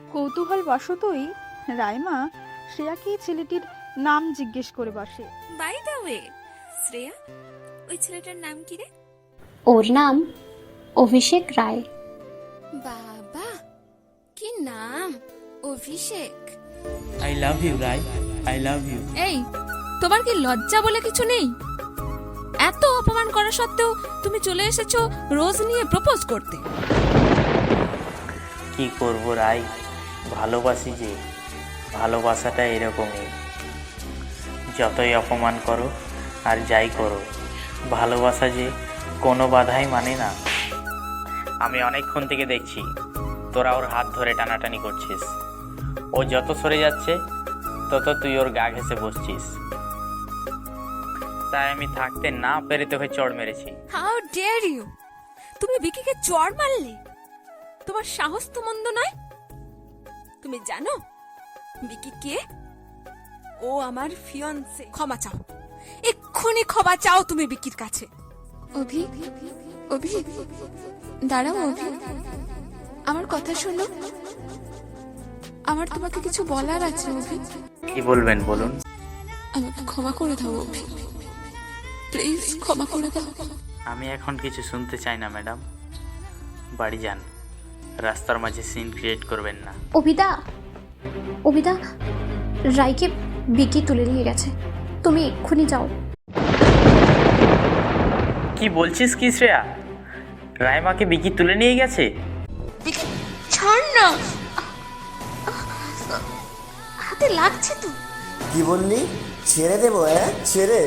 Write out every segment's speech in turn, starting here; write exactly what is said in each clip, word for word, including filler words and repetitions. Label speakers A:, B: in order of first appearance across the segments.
A: কৌতূহল বশতই রাইমা শ্রেয়াকে ছেলেটির নাম জিজ্ঞেস করে বসে।
B: বাই দ্য ওয়ে, শ্রেয়া, ওই ছেলেটার নাম কি রে?
C: ওর নাম অভিষেক রায়।
B: বাবা, কি নাম! Abhishek.
D: I love you Rai, I love you.
B: এই, তোমার কি লজ্জা বলে কিছু নেই? এত অপমান করা সত্ত্বেও তুমি চলে এসেছো রোজ নিয়ে প্রপোজ করতে।
D: কি করব রাই, ভালোবাসি যে, ভালোবাসাটা এরকমই। যতই অপমান করো আর যাই করো, ভালোবাসা যে কোনো বাধাই মানে না। আমি অনেকক্ষণ থেকে দেখছি তোরা ওর হাত ধরে টানাটানি করছিস। ও যত সরে যাচ্ছে তত তুই ওর গা ঘেঁষে বসছিস। তাই আমি থাকতে না পেরে তোকে চড় মেরেছি।
B: How dare you! তুমি বিকিকে চড় মারলে? তোমার সাহস তো মন্দ নয়। তুমি জানো বিকি কে? ও আমার ফিয়ন্সে। ক্ষমা চাও, এক্ষুনি ক্ষমা চাও তুমি বিকির কাছে।
E: অভি, অভি, দাঁড়াও অভি, আমার কথা শোনো। আমার তোমাকে কিছু বলার আছে অভি।
D: কি বলবেন বলুন।
E: আমাকে ক্ষমা করে দাও অভি, প্লিজ ক্ষমা করে দাও।
D: আমি এখন কিছু শুনতে চাই না ম্যাডাম, বাড়ি যান। রাস্তার মাঝে সিন ক্রিয়েট করবেন না।
C: অভিদা, অভিদা, রায়কে বিকি তুলে নিয়ে গেছে, তুমি এক্ষুনি যাও।
D: কি বলছিস কি শ্রেয়া? রাইমাকে বিকি তুলে নিয়ে গেছে?
E: ছাড় না, হাতে লাগছে তো।
F: কি বললি? ছেড়ে দেবো? হ্যাঁ, ছেড়ে?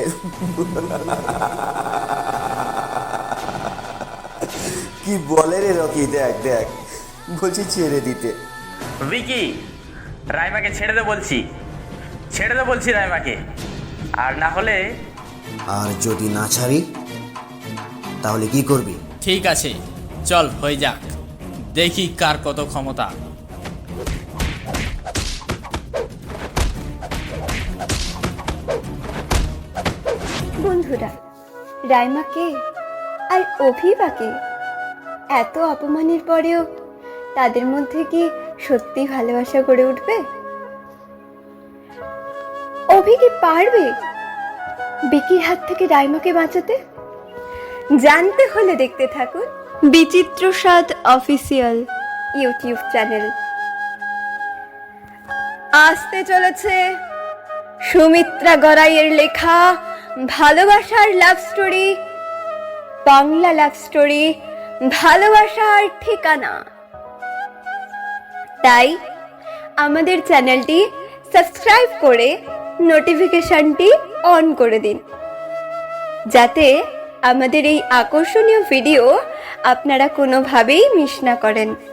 F: কি বলে রে রকি? দেখ দেখ, বলছি ছেড়ে দিতে।
D: বিকি, রাইমাকে ছেড়ে দে বলছি, ছেড়ে দে বলছি রাইমাকে। আর না হলে?
F: আর যদি না ছাড়ি তাহলে কি করবি?
G: ঠিক আছে, চল হয়ে যাক, দেখি কার কত ক্ষমতা।
H: বন্ধুরা, রাইমাকে আর অভিবাকে এত অপমানের পরেও তাদের মধ্যে কি সত্যি ভালোবাসা গড়ে উঠবে? অভি কি পারবে বিকির হাত থেকে রাইমাকে বাঁচাতে? জানতে হলে দেখতে থাকুন বিচিত্র স্বাদ অফিসিয়াল ইউটিউব চ্যানেল। আসতে চলেছে সুমিত্রা গড়াইয়ের লেখা ভালোবাসার love story, Bangla love story, ভালোবাসার ঠিকানা। তাই আমাদের চ্যানেলটি সাবস্ক্রাইব করে নোটিফিকেশনটি অন করে দিন, যাতে আমাদের এই আকর্ষণীয় ভিডিও আপনারা কোনোভাবেই মিস না করেন।